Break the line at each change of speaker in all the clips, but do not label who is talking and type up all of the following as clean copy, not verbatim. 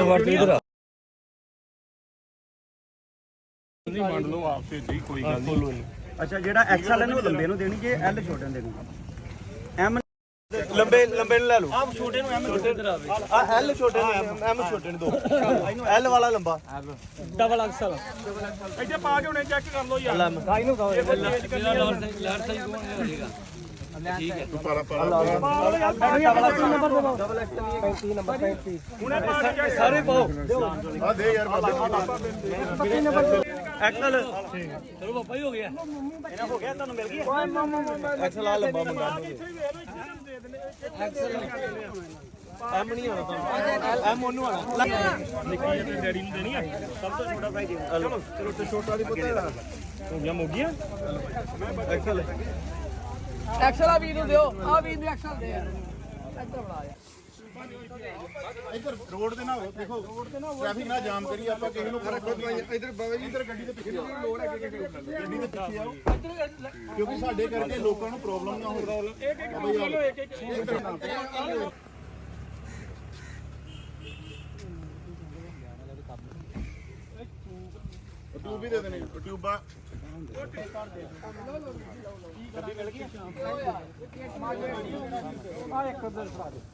ਵੜ ਤੂੰ ਇਧਰ
ਨਹੀਂ ਵੰਡ ਲਓ ਆਪ ਤੇ ਜੀ ਕੋਈ ਗੱਲ ਨਹੀਂ।
ਅੱਛਾ ਜਿਹੜਾ ਐਕਸਲ ਇਹਨੂੰ ਲੰਬੇ ਨੂੰ ਦੇਣੀ ਜੇ ਐਲ ਛੋਟੇ ਨੂੰ ਦੇਣੀ ਐਮ
ਲੰਬੇ ਨੂੰ ਲੈ ਲਓ।
ਆਪ ਛੋਟੇ ਨੂੰ ਐਮ ਛੋਟੇ ਇਧਰ ਆਵੇ
ਆ ਐਲ ਛੋਟੇ ਨੂੰ ਐਮ ਛੋਟੇ ਨੂੰ ਦੋ। ਐਲ ਵਾਲਾ ਲੰਬਾ
ਡਬਲ ਐਕਸਲ
ਇੱਥੇ ਪਾ ਕੇ ਹੁਣੇ ਚੈੱਕ ਕਰ ਲਓ ਯਾਰ।
ਕਾਈ ਨੂੰ ਕਹੋ ਮੇਰਾ ਲਾਰ ਸਾਈਜ਼ ਕੋਣ ਹੋਏਗਾ ਠੀਕ ਹੈ ਡਬਲ ਐਕਸਲ 35 ਨੰਬਰ 35
ਹੁਣੇ ਪਾ ਕੇ check
ਸਾਰੇ ਪਾਓ
ਆ ਦੇ ਯਾਰ
ਐਕਸਲ
ਚਲੋ ਪਾਪਾ ਹੀ ਹੋ ਗਿਆ
ਇਹਨਾਂ ਹੋ ਗਿਆ ਤੁਹਾਨੂੰ ਮਿਲ ਗਈ
ਐਕਸਲ ਆ ਲੰਬਾ ਮੰਗਾ
ਐਮ ਨਹੀਂ ਆਉਣਾ ਤੁਹਾਨੂੰ ਐਮ ਉਹਨੂੰ ਆਣਾ
ਨਿੱਕੀ ਜਿਹੀ ਡੈਡੀ ਨੂੰ ਦੇਣੀ ਆ।
ਸਭ ਤੋਂ ਛੋਟਾ ਸਾਈਜ਼
ਚਲੋ ਚਲੋ ਤੇ ਛੋਟਾ ਦੀ ਪੁੱਤ ਹੋ ਗਿਆ ਮੋਗੀਆਂ।
ਐਕਸਲ
ਐਕਸਲ ਆ ਵੀਰ ਨੂੰ ਦਿਓ ਆ ਵੀਰ ਨੂੰ ਐਕਸਲ ਦੇ ਯਾਰ ਇੱਧਰ ਬਣਾ ਯਾਰ
ਇੱਧਰ ਰੋਡ ਤੇ ਨਾ ਹੋ ਦੇਖੋ ਟ੍ਰੈਫਿਕ ਨਾ ਜਾਮ ਕਰੀ ਆਪਾਂ ਕਿਸੇ ਨੂੰ ਫਰਕ ਨਹੀਂ। ਇੱਧਰ ਬਾਬਾ ਜੀ ਇੱਧਰ ਗੱਡੀ ਦੇ ਪਿੱਛੇ ਲੋੜ ਹੈ ਗੱਡੀ ਦੇ ਪਿੱਛੇ ਆਓ ਕਿਉਂਕਿ ਸਾਡੇ ਕਰਕੇ ਲੋਕਾਂ ਨੂੰ ਪ੍ਰੋਬਲਮ ਨਾ ਹੋਵੇ। ਟਿਊਬ ਵੀ ਦੇ ਦੇਣੇ ਟਿਊਬਾਂ
ਗੱਡੀ ਮਿਲ ਗਈ
ਆ ਇੱਕ ਉਧਰ ਫੜਾ ਦੇ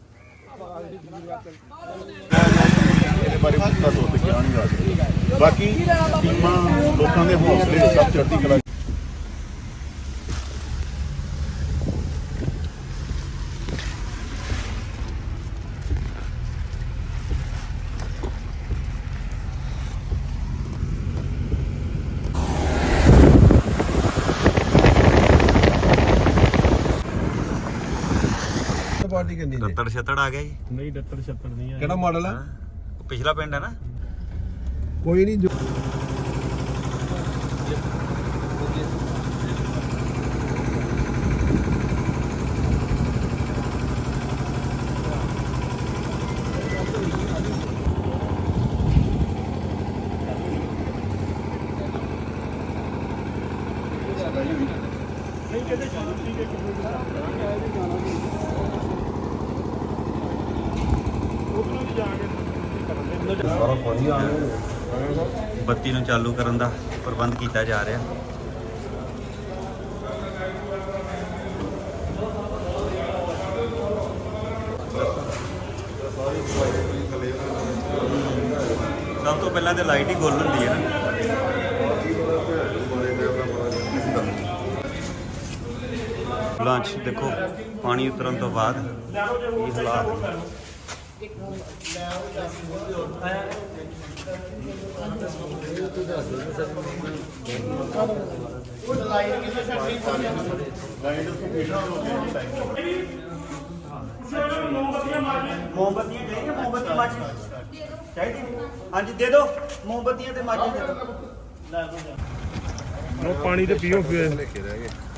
ਇਹਦੇ ਬਾਰੇ ਪੂਰਾ ਤੌਰ ਤੇ ਕਿਹਾ ਨਹੀਂ ਜਾ ਸਕਦਾ। ਬਾਕੀ ਟੀਮਾਂ ਲੋਕਾਂ ਦੇ ਹੌਸਲੇ ਸਭ ਚੜ੍ਹਦੀ ਕਲਾ।
ਪਾਰਟੀ ਕਿੰਨੀ ਜੀ?
ਦੱਤੜ ਛੱਤੜ ਆ ਗਿਆ ਜੀ।
ਨਹੀਂ ਡੱਤਰ ਛੱਤਰ ਨਹੀਂ ਆ।
ਕਿਹੜਾ ਮਾਡਲ ਆ?
ਪਿਛਲਾ ਪਿੰਡ ਹੈ ਨਾ।
ਕੋਈ ਨਹੀਂ ਜੋ
ਨਹੀਂ ਕਿਤੇ ਚਲੋ ਠੀਕ ਹੈ ਉਧਰੋਂ ਦੀ ਜਾ ਕੇ ਕਰਨ ਦੇ।
ਸਾਰਾ ਪਾਣੀ ਆ ਰਿਹਾ।
ਬੱਤੀ ਨੂੰ ਚਾਲੂ ਕਰਨ ਦਾ ਪ੍ਰਬੰਧ ਕੀਤਾ ਜਾ ਰਿਹਾ। ਸਭ ਤੋਂ ਪਹਿਲਾਂ ਤੇ ਲਾਈਟ ਹੀ ਗੁੱਲ ਹੁੰਦੀ ਹੈ ਨਾ। ਲਾਂਚ ਦੇਖੋ ਪਾਣੀ ਉਤਰਨ ਤੋਂ ਬਾਅਦ ਇਹ ਹਾਲਾਤ
ਮੋਮਬੱਤੀਆਂ ਚਾਹੀਦੀਆਂ ਮੋਮਬੱਤੀ ਮਾਚੀ ਚਾਹੀਦੀ ਹਾਂਜੀ ਦੇ ਦਿਓ ਮੋਮਬੱਤੀਆਂ ਤੇ ਮਾਚੀ ਦੇ ਦਿਓ
ਉਹ ਪਾਣੀ ਤੇ ਪੀਓ ਫਿਰ।
ਲਿਖੇ ਰਹਿ ਗਏ।